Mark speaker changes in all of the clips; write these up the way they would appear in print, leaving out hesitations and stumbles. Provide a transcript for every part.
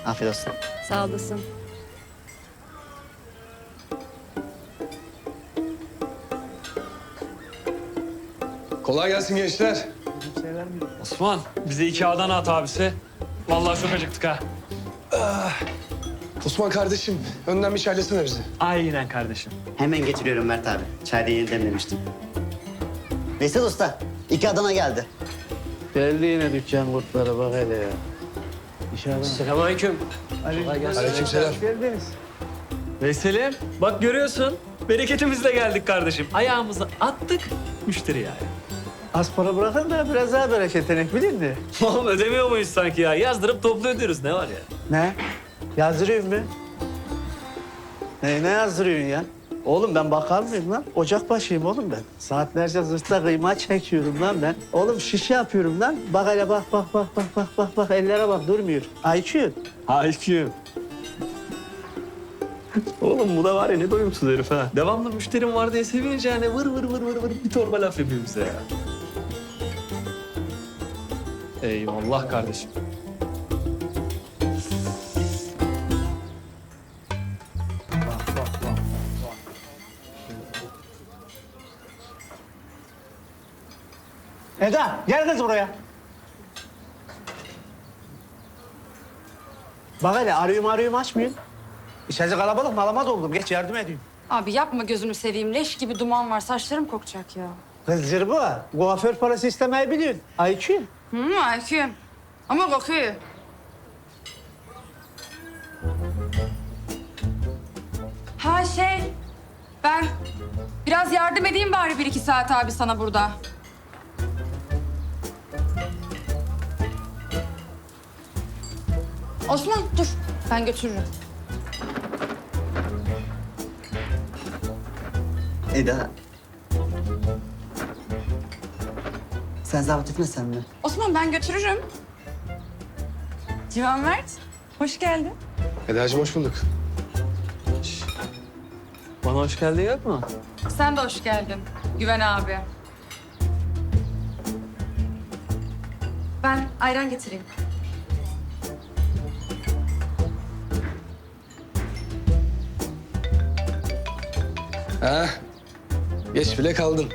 Speaker 1: Afiyet olsun.
Speaker 2: Sağ olasın.
Speaker 3: Kolay gelsin gençler.
Speaker 4: Osman, bize 2 Adana at abisi. Vallahi çok acıktık ha.
Speaker 3: Osman kardeşim, önden bir çaylesene bizi.
Speaker 4: Aynen kardeşim.
Speaker 1: Hemen getiriyorum Mert abi. Çayda yeni demlemiştim. Veysel Usta, 2 Adana geldi.
Speaker 5: Geldi yine dükkan kurtları bak hele ya. İnşallah.
Speaker 4: Selamünaleyküm.
Speaker 3: Aleykümselam.
Speaker 5: Geldiniz.
Speaker 4: Veysel'im, bak görüyorsun. Bereketimizle geldik kardeşim. Ayağımızı attık, müşteri yani.
Speaker 5: Az para bırakın da biraz daha bereketlenek bilin de.
Speaker 4: Oğlum ödemiyor muyuz sanki ya? Yazdırıp toplu ödüyoruz. Ne var ya?
Speaker 5: Ne? Yazdırıyorsun mu? Ne yazdırıyorsun ya? Oğlum ben bakar mıyım lan? Ocakbaşıyım oğlum ben. Saatlerce zırhta kıyma çekiyorum lan ben. Oğlum şiş yapıyorum lan. Bak hele bak. Bak ellere bak durmuyor. IQ.
Speaker 4: IQ. Oğlum bu da var ya ne doyumsuz herif ha. Devamlı müşterim var diye sevince yani vır bir torba laf yapıyor bize ya. Eyvallah kardeşim.
Speaker 5: Eda gel kız buraya. Bak hele arıyorum açmıyorsun. İçerisi kalabalık malama doldum. Geç yardım edeyim.
Speaker 2: Abi yapma gözünü seveyim. Leş gibi duman var. Saçlarım kokacak ya.
Speaker 5: Kız zırba. Kuaför parası istemeyi biliyorsun. IQ.
Speaker 2: IQ'm. Ama kokuyor. Ha ben biraz yardım edeyim bari 1-2 saat abi sana burada. Osman dur, ben götürürüm.
Speaker 1: Eda. Sen zahmet etmesen mi?
Speaker 2: Osman ben götürürüm. Civan Mert, hoş geldin.
Speaker 3: Eda'cığım hoş bulduk.
Speaker 4: Bana hoş geldin yok mu?
Speaker 2: Sen de hoş geldin Güven abi. Ben ayran getireyim.
Speaker 3: Ha, geç bile kaldın.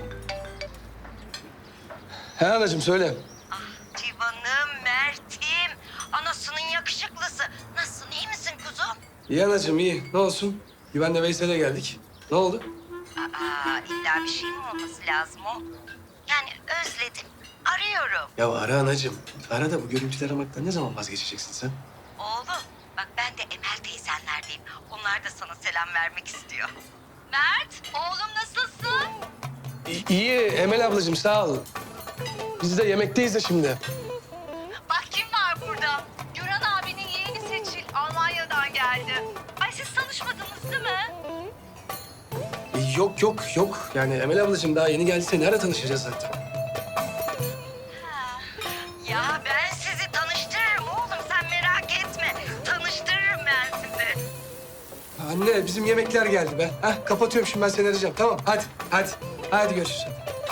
Speaker 3: He anacığım söyle.
Speaker 6: Civan'ım, Mert'im, anasının yakışıklısı. Nasılsın, iyi misin kuzum?
Speaker 3: İyi anacığım iyi. Ne olsun? Güvenle Veysel'e geldik. Ne oldu?
Speaker 6: İlla bir şey mi olması lazım o? Yani özledim, arıyorum.
Speaker 3: Ya ara anacığım. Ara da bu görüntüleri aramaktan ne zaman vazgeçeceksin sen?
Speaker 6: Oğlum, bak ben de Emel teyzenlerdeyim. Onlar da sana selam vermek istiyor. Mert, oğlum nasılsın?
Speaker 3: İyi Emel ablacığım sağ ol. Biz de yemekteyiz de şimdi.
Speaker 6: Bak kim var burada? Güran abinin yeğeni Seçil, Almanya'dan geldi. Ay siz tanışmadınız değil mi?
Speaker 3: Yok. Yani Emel ablacığım daha yeni geldiyse nerede tanışacağız zaten?
Speaker 6: Ya ben sizi tanıştırırım oğlum, sen merak etme. Tanıştırırım ben sizi.
Speaker 3: Anne bizim yemekler geldi be. Hah kapatıyorum şimdi ben seni arayacağım. Tamam hadi. Hadi görüşürüz.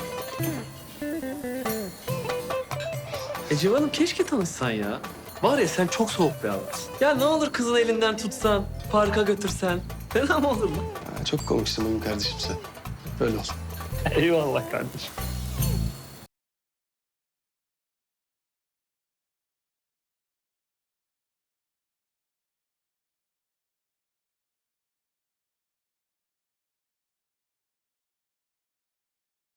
Speaker 4: Civan'ım keşke tanışsan ya. Var ya sen çok soğuk bir adamsın. Ya ne olur kızın elinden tutsan, parka götürsen. Fena mı olur mu?
Speaker 3: Ha, çok komiksin benim kardeşim sen. Böyle ol.
Speaker 4: Eyvallah kardeşim.